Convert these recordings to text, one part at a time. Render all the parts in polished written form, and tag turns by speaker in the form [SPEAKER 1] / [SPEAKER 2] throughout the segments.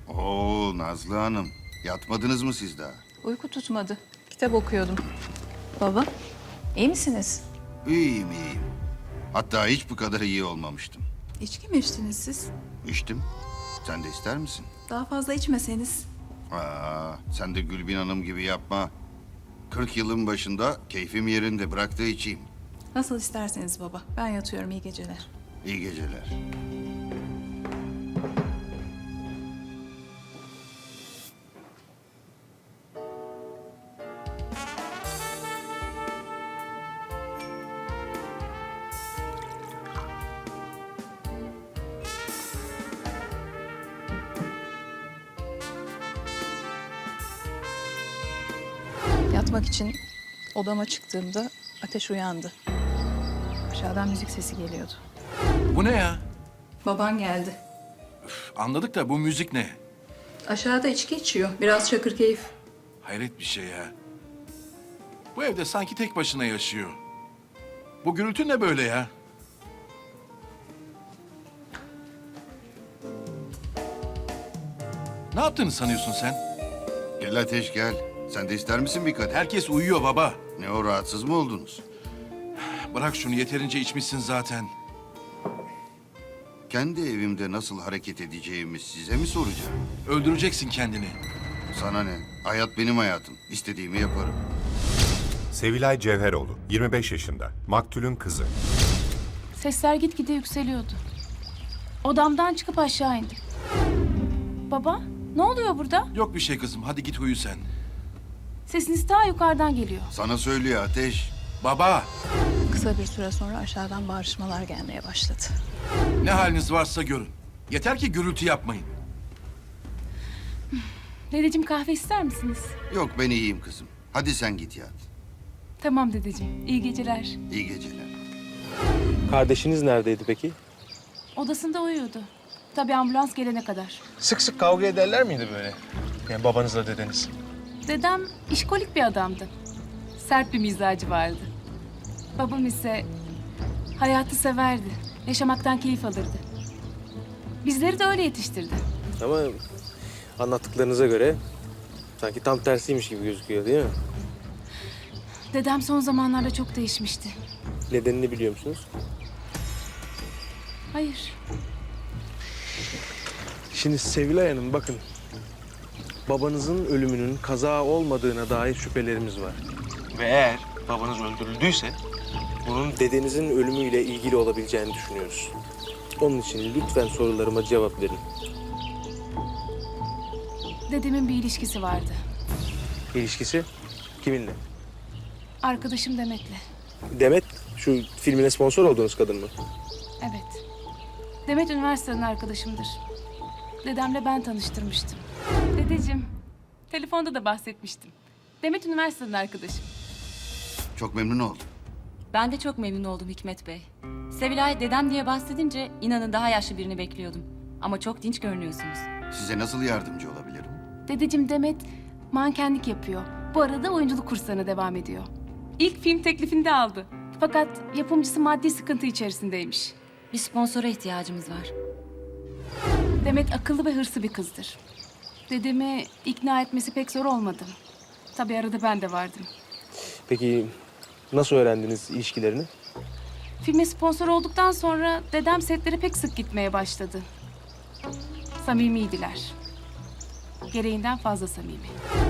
[SPEAKER 1] Oo Nazlı Hanım, yatmadınız mı siz daha?
[SPEAKER 2] Uyku tutmadı. Kitap okuyordum. Baba, iyi misiniz?
[SPEAKER 1] İyiyim, iyiyim. Hatta hiç bu kadar iyi olmamıştım.
[SPEAKER 2] İçki mi içtiniz siz?
[SPEAKER 1] İçtim. Sen de ister misin?
[SPEAKER 2] Daha fazla içmeseniz.
[SPEAKER 1] Sen de Gülbin Hanım gibi yapma. 40 yılın başında keyfim yerinde, bırak da içeyim.
[SPEAKER 2] Nasıl isterseniz baba. Ben yatıyorum, iyi geceler.
[SPEAKER 1] İyi geceler.
[SPEAKER 2] Yatmak için odama çıktığımda Ateş uyandı. Aşağıdan müzik sesi geliyordu.
[SPEAKER 3] Bu ne ya?
[SPEAKER 2] Baban geldi.
[SPEAKER 3] Anladık da bu müzik ne?
[SPEAKER 2] Aşağıda içki içiyor. Biraz şakır keyif.
[SPEAKER 3] Hayret bir şey ya. Bu evde sanki tek başına yaşıyor. Bu gürültü ne böyle ya? Ne yaptığını sanıyorsun sen?
[SPEAKER 1] Gel Ateş gel. Sen de ister misin bir kadeh?
[SPEAKER 3] Herkes uyuyor baba.
[SPEAKER 1] Ne o, rahatsız mı oldunuz?
[SPEAKER 3] Bırak şunu, yeterince içmişsin zaten.
[SPEAKER 1] Kendi evimde nasıl hareket edeceğimi size mi soracağım?
[SPEAKER 3] Öldüreceksin kendini.
[SPEAKER 1] Sana ne? Hayat benim hayatım. İstediğimi yaparım.
[SPEAKER 4] Sevilay Cevheroğlu, 25 yaşında, maktulün kızı.
[SPEAKER 5] Sesler gitgide yükseliyordu. Odamdan çıkıp aşağı indim. Baba, ne oluyor burada?
[SPEAKER 3] Yok bir şey kızım, hadi git uyu sen.
[SPEAKER 5] Sesiniz ta yukarıdan geliyor.
[SPEAKER 1] Sana söylüyor Ateş.
[SPEAKER 3] Baba,
[SPEAKER 2] Kısa bir süre sonra aşağıdan bağırışmalar gelmeye başladı.
[SPEAKER 3] ne haliniz varsa görün. Yeter ki gürültü yapmayın.
[SPEAKER 5] Dedeciğim, kahve ister misiniz?
[SPEAKER 1] Yok, ben iyiyim kızım. Hadi sen git yat.
[SPEAKER 5] Tamam dedeciğim, iyi geceler.
[SPEAKER 1] İyi geceler.
[SPEAKER 6] Kardeşiniz neredeydi peki?
[SPEAKER 5] Odasında uyuyordu. Tabii ambulans gelene kadar.
[SPEAKER 6] Sık sık kavga ederler miydi böyle? Yani babanızla dedeniz.
[SPEAKER 5] Dedem işkolik bir adamdı. Sert bir mizacı vardı. Babam ise hayatı severdi. Yaşamaktan keyif alırdı. Bizleri de öyle yetiştirdi.
[SPEAKER 6] Ama anlattıklarınıza göre sanki tam tersiymiş gibi gözüküyor değil mi?
[SPEAKER 5] Dedem son zamanlarda çok değişmişti.
[SPEAKER 6] Nedenini biliyor musunuz?
[SPEAKER 5] Hayır.
[SPEAKER 6] Şimdi Sevilay Hanım bakın. Babanızın ölümünün kaza olmadığına dair şüphelerimiz var. Ve eğer babanız öldürüldüyse bunun dedenizin ölümüyle ilgili olabileceğini düşünüyoruz. Onun için lütfen sorularıma cevap verin.
[SPEAKER 5] Dedemin bir ilişkisi vardı.
[SPEAKER 6] İlişkisi kiminle?
[SPEAKER 5] Arkadaşım Demet'le.
[SPEAKER 6] Demet, şu filmine sponsor olduğunuz kadın mı?
[SPEAKER 5] Evet. Demet üniversiteden arkadaşımdır. Dedemle ben tanıştırmıştım. Dedeciğim, telefonda da bahsetmiştim. Demet üniversiteden arkadaşım.
[SPEAKER 1] Çok memnun oldum.
[SPEAKER 7] Ben de çok memnun oldum Hikmet Bey. Sevilay dedem diye bahsedince inanın daha yaşlı birini bekliyordum. Ama çok dinç görünüyorsunuz.
[SPEAKER 1] Size nasıl yardımcı olabilirim?
[SPEAKER 5] Dedeciğim, Demet mankenlik yapıyor. Bu arada oyunculuk kurslarına devam ediyor. İlk film teklifini de aldı. Fakat yapımcısı maddi sıkıntı içerisindeymiş.
[SPEAKER 7] Bir sponsora ihtiyacımız var.
[SPEAKER 5] Demet akıllı ve hırslı bir kızdır. Dedemi ikna etmesi pek zor olmadı. Tabii arada ben de vardım.
[SPEAKER 6] Peki nasıl öğrendiniz ilişkilerini?
[SPEAKER 5] Filme sponsor olduktan sonra dedem setlere pek sık gitmeye başladı. Samimiydiler. Gereğinden fazla samimi.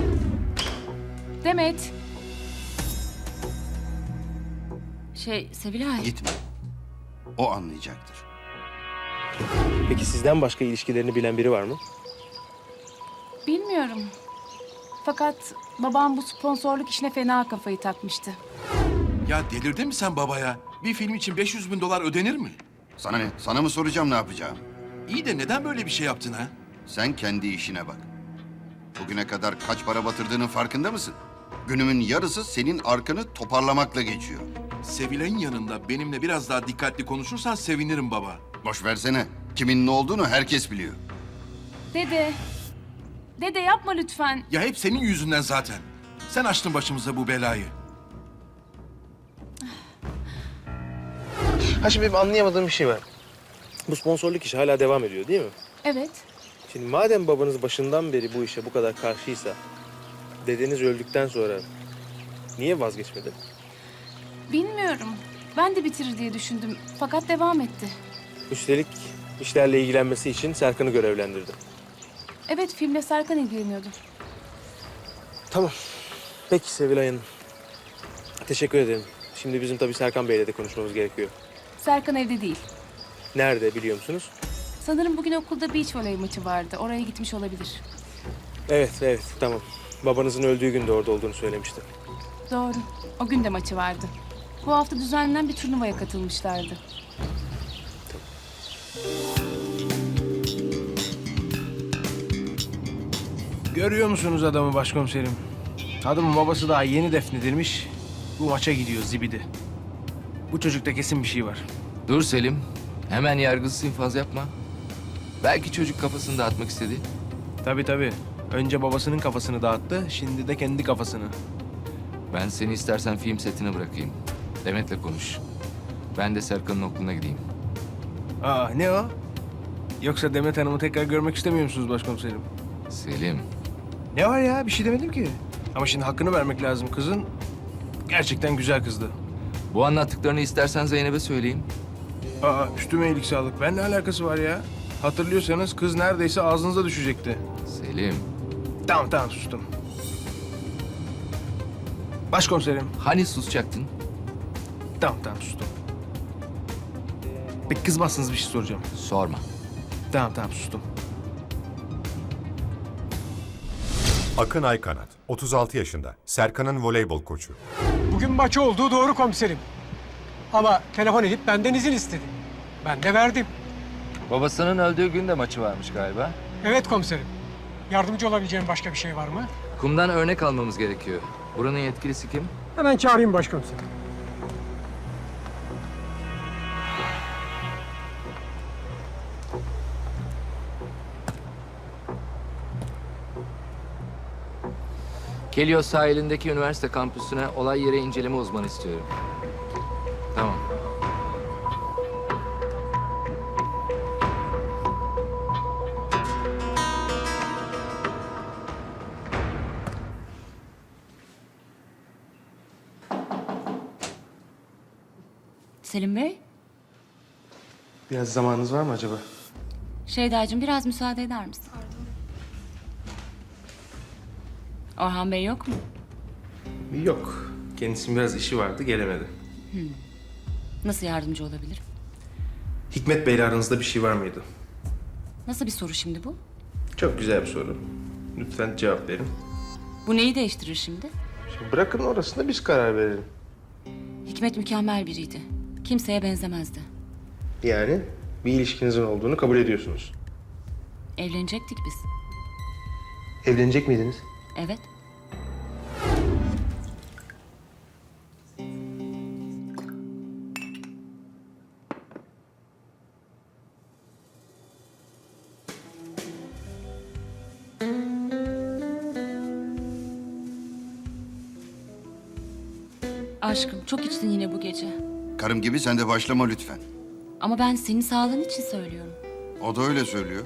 [SPEAKER 5] Demet,
[SPEAKER 7] Sevilay.
[SPEAKER 1] Gitme. O anlayacaktır.
[SPEAKER 6] Peki sizden başka ilişkilerini bilen biri var mı?
[SPEAKER 5] bilmiyorum. Fakat babam bu sponsorluk işine fena kafayı takmıştı.
[SPEAKER 3] Ya delirdin mi sen baba ya? Bir film için 500 bin dolar ödenir mi?
[SPEAKER 1] Sana ne? Sana mı soracağım ne yapacağım?
[SPEAKER 3] İyi de neden böyle bir şey yaptın ha?
[SPEAKER 1] Sen kendi işine bak. Bugüne kadar kaç para batırdığının farkında mısın? Günümün yarısı senin arkanı toparlamakla geçiyor.
[SPEAKER 3] Sevilay'ın yanında benimle biraz daha dikkatli konuşursan sevinirim baba.
[SPEAKER 1] Boş versene. Kimin ne olduğunu herkes biliyor.
[SPEAKER 5] Dede, dede yapma lütfen.
[SPEAKER 3] Ya hep senin yüzünden zaten. Sen açtın başımıza bu belayı.
[SPEAKER 6] Ha şimdi benim anlayamadığım bir şey var. Bu sponsorluk işi hala devam ediyor değil mi?
[SPEAKER 5] Evet,
[SPEAKER 6] Şimdi madem babanız başından beri bu işe bu kadar karşıysa, dedeniz öldükten sonra niye vazgeçmedi?
[SPEAKER 5] Bilmiyorum. Ben de bitirir diye düşündüm. Fakat devam etti.
[SPEAKER 6] Üstelik işlerle ilgilenmesi için Serkan'ı görevlendirdi.
[SPEAKER 5] Evet, filmle Serkan ilgileniyordu.
[SPEAKER 6] Tamam. Peki Sevilay Hanım. Teşekkür ederim. Şimdi bizim tabii Serkan Bey'le de konuşmamız gerekiyor.
[SPEAKER 5] Serkan evde değil.
[SPEAKER 6] Nerede biliyor musunuz?
[SPEAKER 5] Sanırım bugün okulda beach voley maçı vardı. Oraya gitmiş olabilir.
[SPEAKER 6] Evet, tamam. Babanızın öldüğü gün de orada olduğunu söylemişti.
[SPEAKER 5] Doğru. O gün de maçı vardı. Bu hafta düzenlenen bir turnuvaya katılmışlardı.
[SPEAKER 8] Görüyor musunuz adamı başkomiserim? Adamın babası daha yeni defnedilmiş. Bu maça gidiyor zibidi. Bu çocukta kesin bir şey var.
[SPEAKER 9] Dur Selim. Hemen yargısız infaz yapma. Belki çocuk kafasını dağıtmak istedi.
[SPEAKER 8] Tabii. Önce babasının kafasını dağıttı, şimdi de kendi kafasını.
[SPEAKER 9] Ben seni istersen film setine bırakayım. Demet'le konuş. Ben de Serkan'ın okuluna gideyim.
[SPEAKER 8] Aa, ne o? Yoksa Demet Hanım'ı tekrar görmek istemiyor musunuz başkomiserim?
[SPEAKER 9] Selim.
[SPEAKER 8] Ne var ya? Bir şey demedim ki. Ama şimdi hakkını vermek lazım kızın. Gerçekten güzel kızdı.
[SPEAKER 9] Bu anlattıklarını istersen Zeynep'e söyleyeyim.
[SPEAKER 8] Aa, üstüme iyilik sağlık. Ben ne alakası var ya? Hatırlıyorsanız kız neredeyse ağzınıza düşecekti.
[SPEAKER 9] Selim.
[SPEAKER 8] Tamam sustum. Başkomiserim.
[SPEAKER 9] Hani susacaktın?
[SPEAKER 8] Tamam sustum. Peki kızmazsınız bir şey soracağım.
[SPEAKER 9] Sorma.
[SPEAKER 8] Tamam sustum.
[SPEAKER 4] Akın Aykanat, 36 yaşında, Serkan'ın voleybol koçu.
[SPEAKER 10] Bugün maçı olduğu doğru komiserim. Ama telefon edip benden izin istedi. Ben de verdim.
[SPEAKER 9] Babasının öldüğü gün de maçı varmış galiba.
[SPEAKER 10] Evet komiserim. Yardımcı olabileceğim başka bir şey var mı?
[SPEAKER 9] Kumdan örnek almamız gerekiyor. Buranın yetkilisi kim?
[SPEAKER 10] Hemen çağırayım başkomiserim.
[SPEAKER 9] Kelios sahilindeki üniversite kampüsüne olay yeri inceleme uzmanı istiyorum. Tamam.
[SPEAKER 7] Selim Bey,
[SPEAKER 6] Biraz zamanınız var mı acaba?
[SPEAKER 7] Şeydacığım biraz müsaade eder misin? Orhan Bey yok mu?
[SPEAKER 6] Yok. Kendisinin biraz işi vardı, gelemedi.
[SPEAKER 7] Nasıl yardımcı olabilirim?
[SPEAKER 6] Hikmet Bey'le aranızda bir şey var mıydı?
[SPEAKER 7] Nasıl bir soru şimdi bu?
[SPEAKER 6] Çok güzel bir soru. Lütfen cevap verin.
[SPEAKER 7] Bu neyi değiştirir şimdi?
[SPEAKER 6] Şimdi bırakın orasında biz karar verelim.
[SPEAKER 7] Hikmet mükemmel biriydi. Kimseye benzemezdi.
[SPEAKER 6] Yani bir ilişkinizin olduğunu kabul ediyorsunuz.
[SPEAKER 7] Evlenecektik biz.
[SPEAKER 6] Evlenecek miydiniz?
[SPEAKER 7] Evet. Aşkım çok içtin yine bu gece.
[SPEAKER 1] Karım gibi sen de başlama lütfen.
[SPEAKER 7] Ama ben senin sağlığın için söylüyorum.
[SPEAKER 1] O da öyle söylüyor.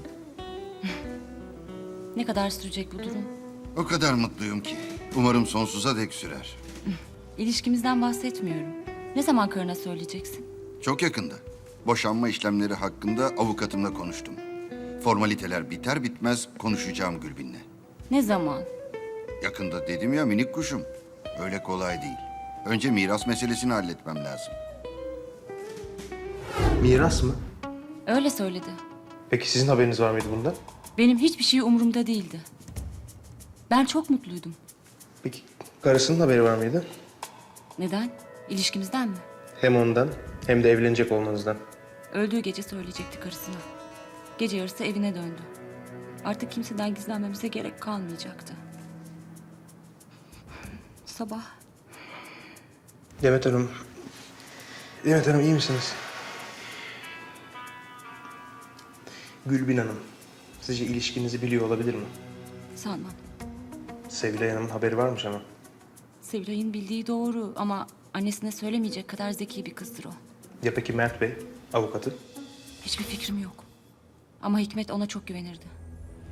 [SPEAKER 7] Ne kadar sürecek bu durum?
[SPEAKER 1] O kadar mutluyum ki. Umarım sonsuza dek sürer.
[SPEAKER 7] İlişkimizden bahsetmiyorum. Ne zaman karına söyleyeceksin?
[SPEAKER 1] Çok yakında. Boşanma işlemleri hakkında avukatımla konuştum. Formaliteler biter bitmez konuşacağım Gülbin'le.
[SPEAKER 7] Ne zaman?
[SPEAKER 1] Yakında dedim ya minik kuşum. Öyle kolay değil. Önce miras meselesini halletmem lazım.
[SPEAKER 6] Miras mı?
[SPEAKER 7] Öyle söyledi.
[SPEAKER 6] Peki sizin haberiniz var mıydı bundan?
[SPEAKER 7] Benim hiçbir şey umurumda değildi. Ben çok mutluydum.
[SPEAKER 6] Peki karısının haberi var mıydı?
[SPEAKER 7] Neden? İlişkimizden mi?
[SPEAKER 6] Hem ondan hem de evlenecek olmanızdan.
[SPEAKER 7] Öldüğü gece söyleyecekti karısına. Gece yarısı evine döndü. Artık kimseden gizlenmemize gerek kalmayacaktı. Sabah
[SPEAKER 6] Demet Hanım iyi misiniz? Gülbin Hanım, sizce ilişkinizi biliyor olabilir mi?
[SPEAKER 7] sanmam.
[SPEAKER 6] Sevilay Hanım'ın haberi varmış ama.
[SPEAKER 7] Sevilay'ın bildiği doğru ama annesine söylemeyecek kadar zeki bir kızdır o.
[SPEAKER 6] Ya peki Mert Bey, avukatı?
[SPEAKER 7] Hiçbir fikrim yok. Ama Hikmet ona çok güvenirdi.